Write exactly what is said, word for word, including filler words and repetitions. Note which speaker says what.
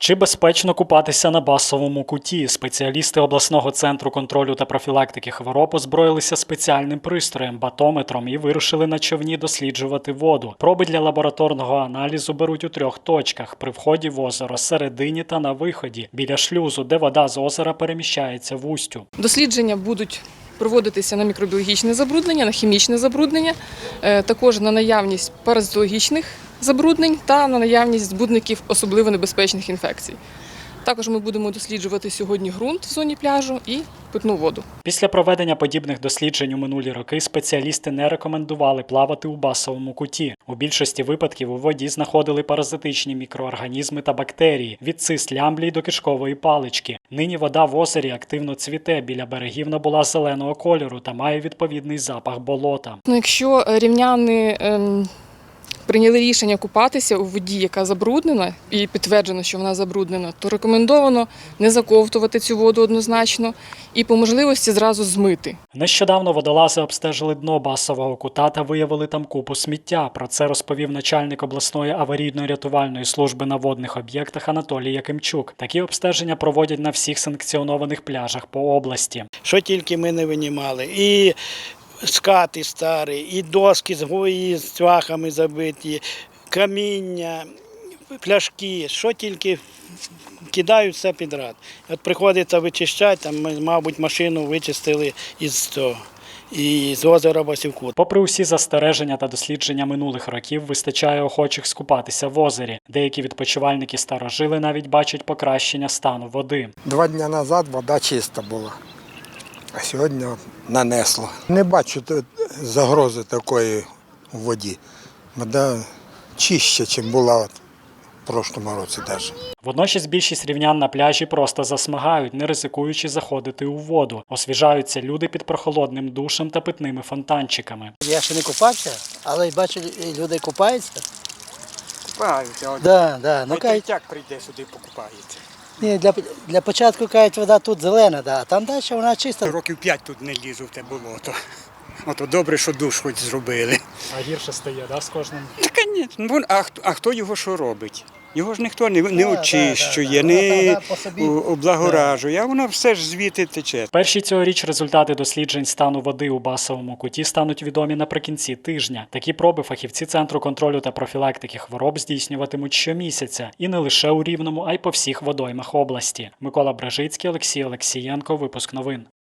Speaker 1: Чи безпечно купатися на Басовому куті? Спеціалісти обласного центру контролю та профілактики хвороб озброїлися спеціальним пристроєм – батометром і вирушили на човні досліджувати воду. Проби для лабораторного аналізу беруть у трьох точках – при вході в озеро, середині та на виході, біля шлюзу, де вода з озера переміщається в устю.
Speaker 2: Дослідження будуть проводитися на мікробіологічне забруднення, на хімічне забруднення, також на наявність паразитологічних забруднень та на наявність збудників особливо небезпечних інфекцій. Також ми будемо досліджувати сьогодні ґрунт в зоні пляжу і питну воду.
Speaker 1: Після проведення подібних досліджень у минулі роки спеціалісти не рекомендували плавати у Басовому куті. У більшості випадків у воді знаходили паразитичні мікроорганізми та бактерії – від цист лямблій до кишкової палички. Нині вода в озері активно цвіте, біля берегів набула зеленого кольору та має відповідний запах болота.
Speaker 2: Ну, якщо рівняни ем... прийняли рішення купатися у воді, яка забруднена, і підтверджено, що вона забруднена, то рекомендовано не заковтувати цю воду однозначно і по можливості зразу змити.
Speaker 1: Нещодавно водолази обстежили дно Басового кута та виявили там купу сміття. Про це розповів начальник обласної аварійно-рятувальної служби на водних об'єктах Анатолій Якимчук. Такі обстеження проводять на всіх санкціонованих пляжах по області.
Speaker 3: Що тільки ми не винімали. І скати старі, і доски з гої, з цвяхами забиті, каміння, пляшки, що тільки кидають все підряд. От приходиться вичищати, там ми, мабуть, машину вичистили із того. І з озера Басівкут.
Speaker 1: Попри усі застереження та дослідження минулих років, вистачає охочих скупатися в озері. Деякі відпочивальники-старожили навіть бачать покращення стану води.
Speaker 4: Два дні назад вода чиста була, а сьогодні нанесло. Не бачу загрози такої в воді. Вода чище, ніж була в прошлому році навіть.
Speaker 1: Водночас більшість рівнян на пляжі просто засмагають, не ризикуючи заходити у воду. Освіжаються люди під прохолодним душем та питними фонтанчиками.
Speaker 5: Я ще не купався, але бачу, люди купаються.
Speaker 6: Купаються.
Speaker 5: Да, да. Ну, кажуть,
Speaker 6: Третяк прийде сюди, покупається.
Speaker 5: ні, для, для початку, кажуть, вода тут зелена, да, а там далі вона чиста.
Speaker 6: Років п'ять тут не лізу в те болото. Ото добре, що душ хоч зробили.
Speaker 1: А гірше стає, да, з кожним?
Speaker 6: Та, звісно, а, а хто його що робить? Його ж ніхто не, не
Speaker 5: Да,
Speaker 6: очищує,
Speaker 5: да, да, да.
Speaker 6: не
Speaker 5: Вона по собі,
Speaker 6: облагоражує, а воно все ж звідти тече.
Speaker 1: Перші цьогоріч результати досліджень стану води у Басовому куті стануть відомі наприкінці тижня. Такі проби фахівці Центру контролю та профілактики хвороб здійснюватимуть щомісяця. І не лише у Рівному, а й по всіх водоймах області. Микола Бражицький, Олексій Олексієнко. Випуск новин.